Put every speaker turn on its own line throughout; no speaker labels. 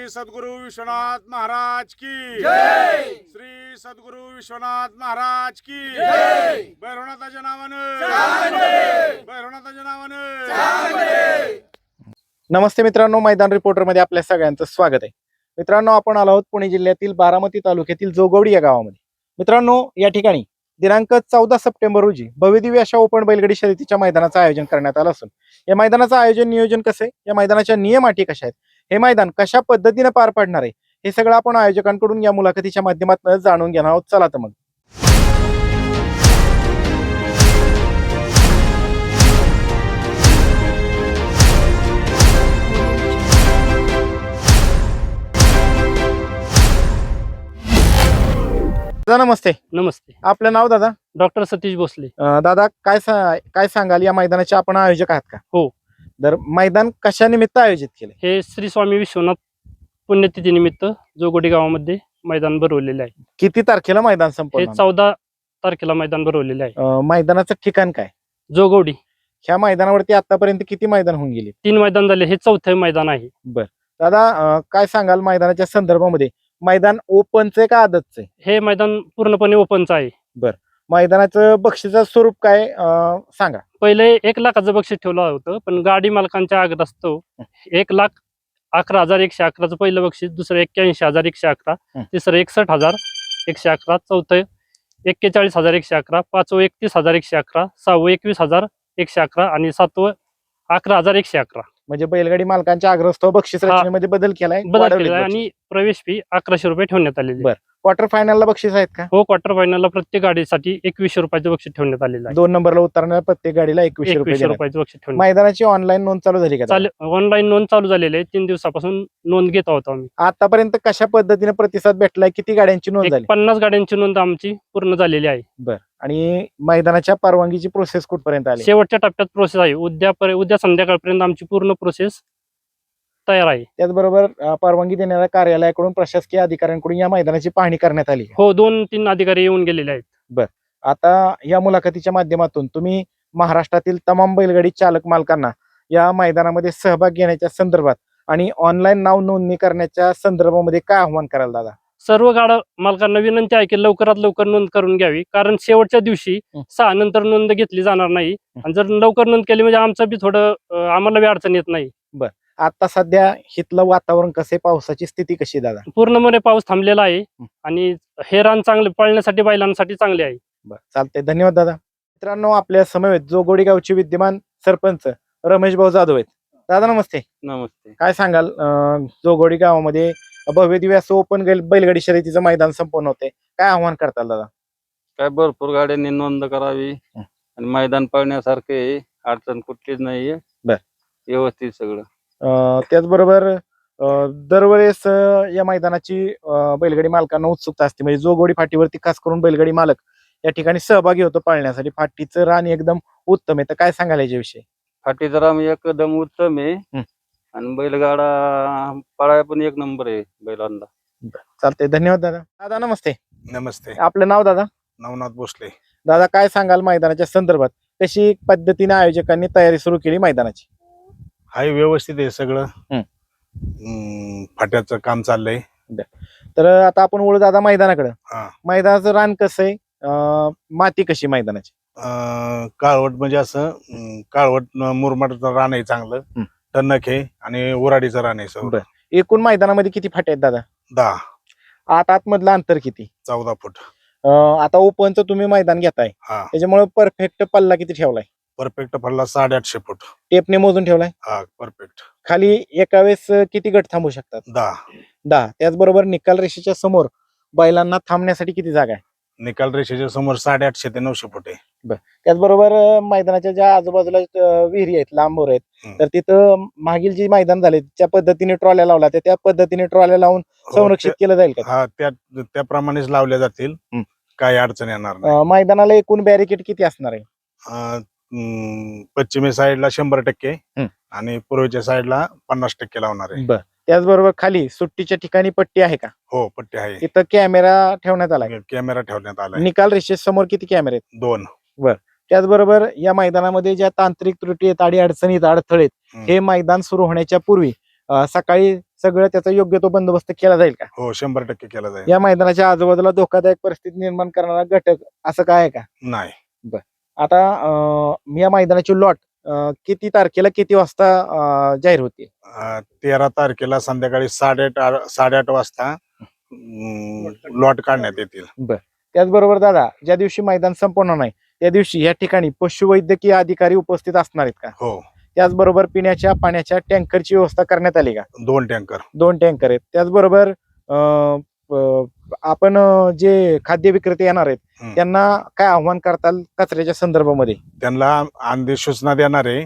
श्री सद्गुरु विश्वनाथ महाराज की
जय।
श्री सद्गुरु विश्वनाथ महाराज की
जय।
भैरवनाथाच्या नावानं भैरवनाथाच्या नावानं।
नमस्ते मित्रांनो, मैदान रिपोर्टर मध्ये आपल्या सगळ्यांचं स्वागत आहे। मित्रांनो, आपण आलो आहोत पुणे जिल्ह्यातील बारामती तालुक्यातील जोगवडी या गावामध्ये। मित्रांनो, या ठिकाणी दिनांक 14 सप्टेंबर रोजी भव्यदिव्य अशा ओपन बैलगाडी शर्यतीच्या मैदानाचं आयोजन करण्यात आलं असून या मैदानाचं आयोजन नियोजन कसं आहे, या मैदानाच्या नियम अटी कशा आहेत, हे मैदान कशा पद्धतीने पार पाडणार आहे, हे सगळं आपण आयोजकांकडून या मुलाखतीच्या माध्यमातून जाणून घेणार आहोत। चला तर मग। दादा नमस्ते।
नमस्ते,
आपलं नाव दादा?
डॉक्टर सतीश भोसले।
दादा काय सांगाल, या मैदानाचे आपण आयोजक आहात का?
हो।
तर मैदान कशा निमित्त आयोजित केले?
हे श्री स्वामी विश्वनाथ पुण्यतिथी निमित्त जोगोडी गावामध्ये मैदान भरवलेले आहे।
किती तारखेला मैदान
हे
संपलं?
14 तारखेला मैदान भरवलेले आहे।
मैदानाचं ठिकाण काय?
जोगोडी।
ह्या मैदानावरती आतापर्यंत किती मैदान होऊन गेली?
3 मैदान झाले, हे 4थे मैदान आहे।
दादा काय सांगाल मैदानाच्या संदर्भामध्ये, मैदान ओपनचे का आदतचे?
हे मैदान पूर्णपणे ओपनचं आहे।
मैदानाचं बक्षीचं स्वरूप काय सांगा?
पहिले 1 लाखाचं बक्षीस ठेवलं होतं, पण गाडी मालकांच्या आग्रहास्तव 1,11,111चं पहिलं बक्षीस, दुसरं 81,111, तिसरं 61,111, चौथं 41,111, पाचवं 31,111, सहावं 21,111 आणि सातवं 11,111।
म्हणजे बैलगाडी मालकांच्या आग्रहास्तव बक्षीस रचनेमध्ये बदल केलाय, वाढवले
आणि प्रवेश फी 1100 रुपये ठेवण्यात आलेली आहे।
क्वार्टर फायनलला बक्षीस आहेत का?
हो, क्वार्टर फायनलला प्रत्येक गाडीसाठी 2100 रुपयाचं बक्षीस ठेवण्यात आलेलं आहे।
2 नंबरला उतरणाऱ्या प्रत्येक गाडीला 2100
रुपयाचं बक्षीस ठेवण्यात
मैदानाची ऑनलाईन नोंद चालू झाली का?
ऑनलाईन नोंद चालू झालेली आहे। 3 दिवसापासून नोंद घेत आहोत आम्ही।
आतापर्यंत कशा पद्धतीने प्रतिसाद भेटलाय? किती गाड्यांची नोंद झाली?
50 गाड्यांची नोंद आमची पूर्ण झालेली आहे।
आणि मैदानाच्या परवानगीची प्रोसेस कुठपर्यंत आली?
शेवटच्या टप्प्यात प्रोसेस आहे। उद्या संध्याकाळपर्यंत आमची पूर्ण प्रोसेस तयार आहे।
त्याचबरोबर परवानगी देणाऱ्या कार्यालयाकडून, प्रशासकीय अधिकाऱ्यांकडून या मैदानाची पाहणी करण्यात आली?
हो, 2-3 अधिकारी येऊन गेलेले आहेत।
आता या मुलाखतीच्या माध्यमातून तुम्ही महाराष्ट्रातील तमाम बैलगाडी चालक मालकांना या मैदानामध्ये सहभाग घेण्याच्या संदर्भात आणि ऑनलाईन नाव नोंदणी करण्याच्या संदर्भामध्ये काय आव्हान कराल दादा?
सर्व गाडा मालकांना विनंती आहे की लवकरात लवकर नोंद करून घ्यावी, कारण शेवटच्या दिवशी 6 नंतर नोंद घेतली जाणार नाही। आणि जर लवकर नोंद केली म्हणजे आमचं बी थोडं आम्हाला बी अडचण येत नाही।
आता सध्या हितलं वातावरण कसं, पावसाची स्थिती कशी दादा?
पूर्णपणे पाऊस थांबलेला आहे आणि हे रान चांगले पळण्यासाठी, बैलांसाठी चांगले आहे।
चालतंय, धन्यवाद दादा। मित्रांनो, आपल्या समवेत जोगोडी गावचे विद्यमान सरपंच रमेश भाऊ जाधव आहेत। दादा नमस्ते।
नमस्ते।
काय सांगाल, जोगोडी गावामध्ये भव्य दिव्य असं ओपन बैलगाडी शर्यतीचं मैदान संपन्न होते, काय आव्हान करताल दादा?
काय भरपूर गाड्यांनी नोंद करावी आणि मैदान पळण्यासारखे, अडचण कुठलीच नाहीये, व्यवस्थित सगळं।
त्याचबरोबर दरवेळेस या मैदानाची बैलगाडी मालकांना उत्सुकता असते, म्हणजे जोगोडी फाटीवरती खास करून बैलगाडी मालक या ठिकाणी सहभागी होतो पाळण्यासाठी। फाटीचं रान एकदम उत्तम आहे, तर काय सांगाल याच्याविषयी?
फाटी जरा एकदम उत्तम आहे आणि बैलगाडा पळाय पण 1 नंबर आहे बैलांना।
चालतंय, धन्यवाद दादा। दादा नमस्ते।
नमस्ते।
आपलं नाव दादा?
नवनाथ भोसले।
दादा काय सांगाल मैदानाच्या संदर्भात, कशी पद्धतीने आयोजकांनी तयारी सुरू केली मैदानाची?
हाय, व्यवस्थित आहे सगळं। फाट्याचं काम चाललंय।
तर आता आपण वळू दादा मैदानाकडे।
हा।
मैदानाचं रान कसं आहे, माती कशी मैदानाची?
काळवट, म्हणजे असं काळवट मुरमाडचं रान आहे चांगलं, टणक आहे आणि उराडीचं रान आहे सगळं।
एकूण मैदानामध्ये किती फाटे आहेत दादा?
10।
आतमधलं अंतर किती?
14 फूट।
आता ओपनचं तुम्ही मैदान घेताय, त्याच्यामुळे परफेक्ट पल्ला किती ठेवलाय?
परफेक्ट पडला 850 फूट।
टेपने मोजून ठेवलाय?
हा, परफेक्ट।
खाली एका वेळेस किती गट थांबू शकतात?
10।
त्याचबरोबर निकाल रेषेच्या समोर बैलांना थांबण्यासाठी किती जागा आहे?
निकाल रेषेच्या समोर 850 ते 900 फूट आहे।
त्याचबरोबर मैदानाच्या ज्या आजूबाजूला विहिरी आहेत, लांबवर आहेत, तर तिथं मागील जी मैदान झाले त्या पद्धतीने ट्रॉल्या लावल्या, त्या पद्धतीने ट्रॉल्या लावून संरक्षित केलं जाईल का?
हा, त्याप्रमाणेच लावल्या जातील, काही अडचण येणार नाही।
मैदानाला एकूण बॅरिकेड किती असणार आहे?
पश्चिमी साईडला 100% आणि पूर्वेच्या साईडला 50% लावणार आहे।
त्याचबरोबर खाली सुट्टीच्या ठिकाणी पट्टी आहे का?
हो, पट्टी आहे।
तिथं कॅमेरा ठेवण्यात आला?
कॅमेरा ठेवण्यात आला।
निकाल रेषेसमोर किती कॅमेरे आहेत?
2।
त्याचबरोबर या मैदानामध्ये ज्या तांत्रिक त्रुटी आहेत, अडी अडचणीत, अडथळे, हे मैदान सुरू होण्याच्या पूर्वी सकाळी सगळं त्याचा योग्य तो बंदोबस्त केला जाईल का?
हो 100% केला जाईल.
या मैदानाच्या आजूबाजूला धोकादायक परिस्थिती निर्माण करणारा घटक असं काय आहे का?
नाही,
आता या मैदानाची लॉट किती तारखेला किती वाजता जाहीर होते?
13 तारखेला संध्याकाळी 8:30 वाजता लॉट काढण्यात येतील.
त्याचबरोबर दादा, ज्या दिवशी मैदान संपन्न नाही त्या दिवशी या ठिकाणी पशुवैद्यकीय अधिकारी उपस्थित असणार आहेत का?
हो,
त्याचबरोबर पिण्याच्या पाण्याच्या टँकरची व्यवस्था करण्यात आली का?
2 टँकर.
2 टँकर आहेत. त्याचबरोबर आपण जे खाद्य विक्रेते येणार आहेत त्यांना काय आव्हान करताल कचऱ्याच्या संदर्भामध्ये?
त्यांना अंधी सूचना देणारे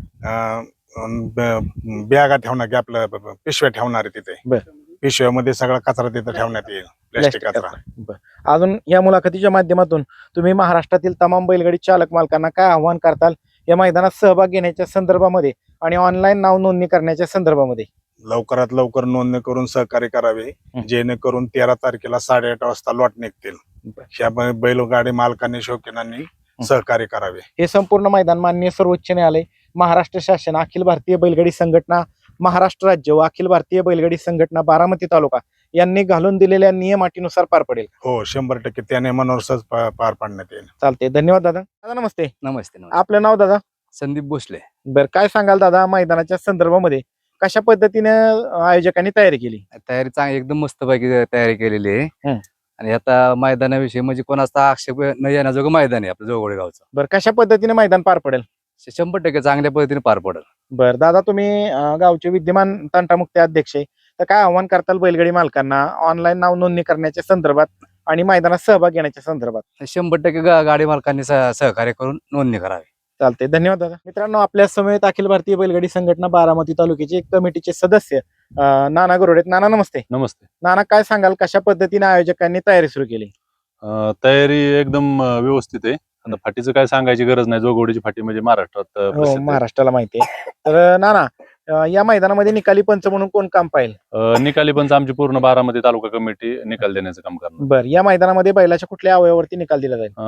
बॅगा ठेवणार की आपलं पिशव्या ठेवणार आहे तिथे. पिशव्यामध्ये सगळा कचरा तिथे ठेवण्यात येईल, प्लॅस्टिक कचरा.
अजून या मुलाखतीच्या माध्यमातून तुम्ही महाराष्ट्रातील तमाम बैलगाडी चालक मालकांना काय आव्हान करताल या मैदानात सहभाग घेण्याच्या संदर्भामध्ये आणि ऑनलाईन नाव नोंदणी करण्याच्या संदर्भामध्ये?
लवकरात लवकर नोंदणी करून सहकार्य करावे, जेणेकरून 13 तारखेला 8:30 वाजता लॉट निघतील. ह्या बैलगाडी मालकांनी शौकीनांनी सहकार्य करावे.
हे संपूर्ण मैदान माननीय सर्वोच्च न्यायालय, महाराष्ट्र शासन, अखिल भारतीय बैलगाडी संघटना महाराष्ट्र राज्य व अखिल भारतीय बैलगाडी संघटना बारामती तालुका यांनी घालून दिलेल्या नियम अटीनुसार पार पडेल.
हो 100% त्या नियमानुसार पार पाडण्यात येईल.
चालते, धन्यवाद दादा. दादा नमस्ते.
नमस्ते.
आपलं नाव दादा?
संदीप भोसले.
बरं, काय सांगाल दादा मैदानाच्या संदर्भामध्ये कशा पद्धतीने आयोजकांनी तयारी केली?
तयारी चांगली, एकदम मस्तपैकी तयारी केलेली आहे. आणि आता मैदानाविषयी म्हणजे कोणाचा आक्षेप न येण्याजोगं मैदान आहे आपलं जोगोडे गावचं.
बरं, कशा पद्धतीने मैदान पार पडेल?
100% चांगल्या पद्धतीने पार पडेल.
बरं दादा, तुम्ही गावचे विद्यमान तंटामुक्ती अध्यक्ष आहे, तर काय आव्हान करताल बैलगाडी मालकांना ऑनलाईन नाव नोंदणी करण्याच्या संदर्भात आणि मैदानात सहभाग घेण्याच्या संदर्भात?
100% गाडी मालकांनी सहकार्य करून नोंदणी करावी.
चालते, धन्यवाद दादा. मित्रांनो, आपल्या समेत अखिल भारतीय बैलगाडी संघटना बारामती तालुक्याचे कमिटीचे सदस्य नाना गरोडे. नाना नमस्ते.
नमस्ते.
नाना, काय सांगाल कशा पद्धतीने आयोजकांनी तयारी सुरू केली?
तयारी एकदम व्यवस्थित आहे. आता फाटीचं काय सांगायची गरज नाही, जोगवडीची फाटी म्हणजे महाराष्ट्रात
हो,
प्रसिद्ध आहे.
महाराष्ट्राला माहिती आहे. तर नाना, या मैदानामध्ये निकाली पंच म्हणून कोण काम पाहिजे?
निकाली पंच आमची पूर्ण बारामती तालुका कमिटी निकाल देण्याचं काम करणार.
बरं, या मैदानामध्ये बैलाच्या कुठल्या अवयवावरती निकाल दिला जाईल?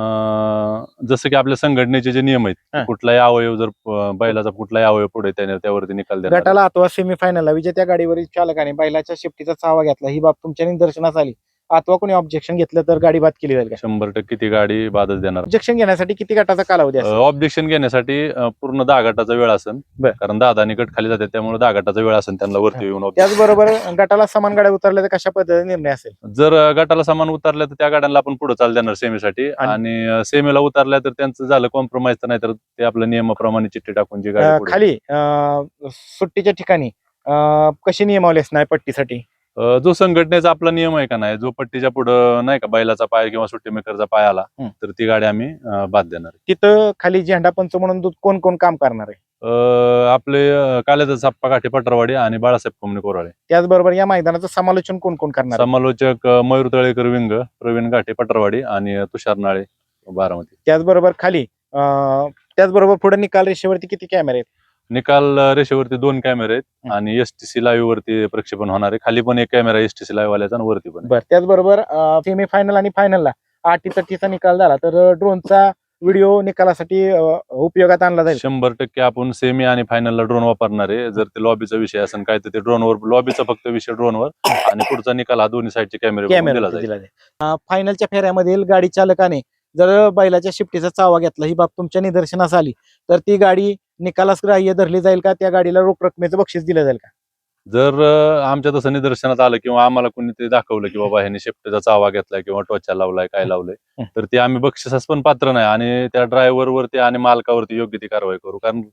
जसं की आपल्या संघटनेचे जे नियम
हा.
आहेत, कुठलाही अवयव जर बैलाचा कुठलाही अवयव पुढे त्यावरती निकाल देणार.
गटाला अथवा सेमीफायनलला विजेत्या गाडीवरील चालकाने बैलाच्या शिफ्टीचा चावा घेतला, ही बाब तुमच्या निदर्शनास आली अथवा कोणी ऑब्जेक्शन घेतलं तर गाडी बाद केली जाईल का?
100% ती गाडी बादच देणार.
ऑब्जेक्शन घेण्यासाठी किती गटाचा कालावधी असेल?
ऑब्जेक्शन घेण्यासाठी पूर्ण 10 गटाचा वेळ असेल.
बरं.
कारण 10 गट खाली जातात, त्यामुळे 10 गटाचा वेळ असेल त्यांना वरती येऊन objection.
त्याचबरोबर गटाला समान गाड्या उतरल्या तर कशा पद्धतीने निर्णय असेल?
जर गटाला समान उतरल्या तर त्या गाड्यांना आपण पुढे चाल देणार सेमीसाठी, आणि सेमीला उतरल्या तर त्यांचं झालं कॉम्प्रोमाइज, तर नाही तर ते आपल्या नियमाप्रमाणे चिठ्ठी टाकून जी गाडी पुढे-
खाली सुट्टीच्या ठिकाणी कशी नियमावली असणार पट्टीसाठी?
जो संघटनेचा आपला नियम आहे का नाही, जो पट्टीच्या पुढं नाही का बैलाचा पाय किंवा सुट्टी मेकरचा पाय आला तर ती गाडी आम्ही बाद देणार.
तिथं खाली झेंडा पंच म्हणून कोण कोण काम करणार आहे?
आपले कालेदास साप्पा काठे पटरवाडी आणि बाळासाहेब कोमणे कोराळे.
त्याचबरोबर या मैदानाचं समालोचन कोण कोण करणार आहे?
समालोचक मयूर तळेकर विंग, प्रवीण गाठे पटरवाडी आणि तुषार नाळे बारामती.
त्याचबरोबर खाली त्याचबरोबर पुढे निकाल रेषेवरती किती कॅमेरे आहेत?
निकाल रेषेवरती 2 कॅमेरे आहेत आणि एसटीसी लाईव्ह वरती प्रक्षेपण होणार आहे. खाली पण 1 कॅमेरा एसटीसी लाईव्ह वाल्याचा आणि वरती पण.
बरं, त्याचबरोबर सेमीफायनल आणि फायनलला अटीतटीचा निकाल झाला तर ड्रोनचा व्हिडिओ निकालासाठी उपयोगात आणला जाईल?
100% आपण सेमी आणि फायनलला ड्रोन वापरणार आहे. जर ते लॉबीचा विषय असेल काय तर ते ड्रोनवर, लॉबीचा फक्त विषय ड्रोनवर, आणि पुढचा निकाल हा दोन्ही साईडचे कॅमेरे दिला जाईल.
फायनलच्या फेऱ्यामधील गाडी चालकाने जर बैलाच्या शिफ्टीचा चावा घेतला, ही बाब तुमच्या निदर्शनास आली तर ती गाडी निकालास ग्राह्य धरली जाईल का? त्या गाडीला रोख रकमेचं बक्षीस दिलं जाईल का?
जर आमच्या तसं निदर्शनात आलं किंवा आम्हाला कोणीतरी दाखवलं की बाबा ह्याने शेफ्टीचा चावा घेतलाय किंवा टोचा लावलाय, काय लावलंय, तर ते आम्ही बक्षिसास पण पात्र नाही आणि त्या ड्रायव्हर वरती आणि मालकावरती योग्य ती कारवाई करू. कारण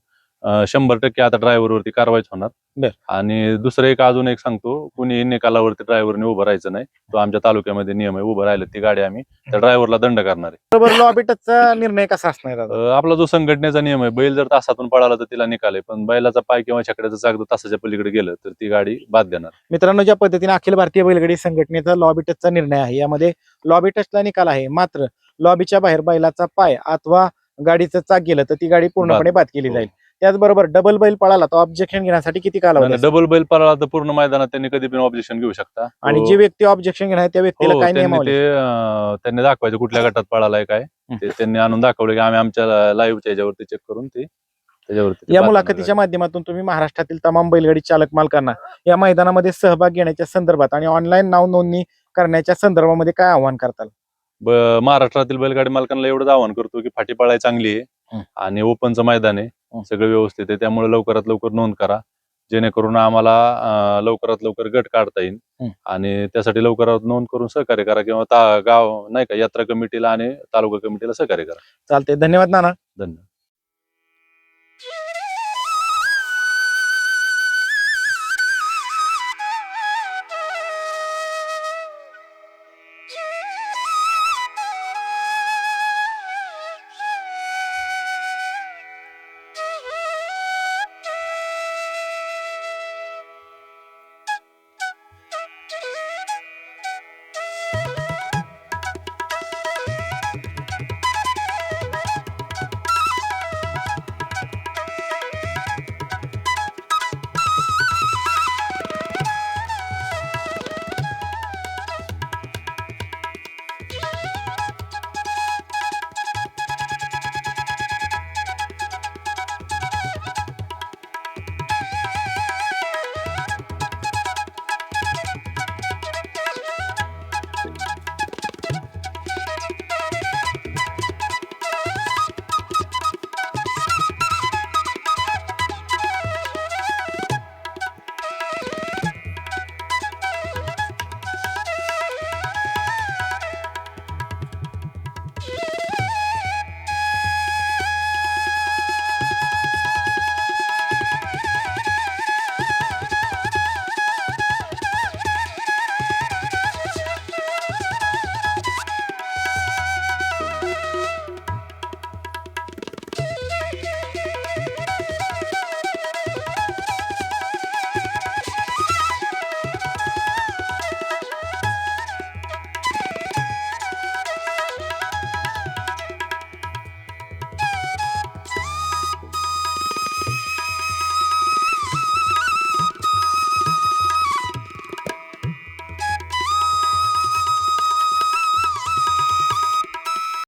100% आता ड्रायव्हर वरती कारवाईच होणार. आणि दुसरं एक अजून एक सांगतो, कुणी निकालावरती ड्रायव्हरने उभं राहायचं नाही. तो आमच्या तालुक्यामध्ये नियम आहे. उभं राहिलं ती गाडी आम्ही त्या ड्रायव्हरला दंड करणार आहे.
बरोबर, लॉबी टचचा निर्णय कसा असणार?
आपला जो संघटनेचा नियम आहे, बैल जर तासातून पळाला तर तिला निकाल आहे, पण बैलाचा पाय किंवा छकड्याचं चाक तासाच्या पलीकडे गेलं तर ती गाडी बाद देणार.
मित्रांनो, ज्या पद्धतीने अखिल भारतीय बैलगाडी संघटनेचा लॉबी टचचा निर्णय आहे, यामध्ये लॉबी टचला निकाल आहे, मात्र लॉबीच्या बाहेर बैलाचा पाय अथवा गाडीचं चाक गेलं तर ती गाडी पूर्णपणे बाद केली जाईल. त्याचबरोबर डबल बैल पळाला तर ऑब्जेक्शन घेण्यासाठी किती कालावधी?
डबल बैल पळाला तर पूर्ण मैदानात त्यांनी कधी पण ऑब्जेक्शन घेऊ शकता.
आणि जी व्यक्ती ऑब्जेक्शन घेणार त्या व्यक्तीला काय नियम?
त्यांनी दाखवायचं कुठल्या गटात पळालाय काय, ते त्यांनी आणून दाखवलं की आम्ही आमच्या लाईव्हच्या ह्याच्यावरती चेक करून ते त्याच्यावरती ते
या
बातम्या
मुलाखतीच्या
झाल्या.
माध्यमातून तुम्ही महाराष्ट्रातील तमाम बैलगाडी चालक मालकांना या मैदानामध्ये सहभाग घेण्याच्या संदर्भात आणि ऑनलाईन नाव नोंदणी करण्याच्या संदर्भामध्ये काय आव्हान करताल?
महाराष्ट्रातील बैलगाडी मालकांना एवढंच आवाहन करतो की फाटी पळाई चांगली आहे आणि ओपनचं मैदान आहे, सगळं व्यवस्थित आहे. त्यामुळे लवकरात लवकर नोंद करा, जेणेकरून आम्हाला लवकरात लवकर गट काढता येईल आणि त्यासाठी लवकरात नोंद करून सहकार्य करा किंवा गाव नाही का यात्रा कमिटीला आणि तालुका कमिटीला सहकार्य करा.
चालते, धन्यवाद नाना.
धन्यवाद.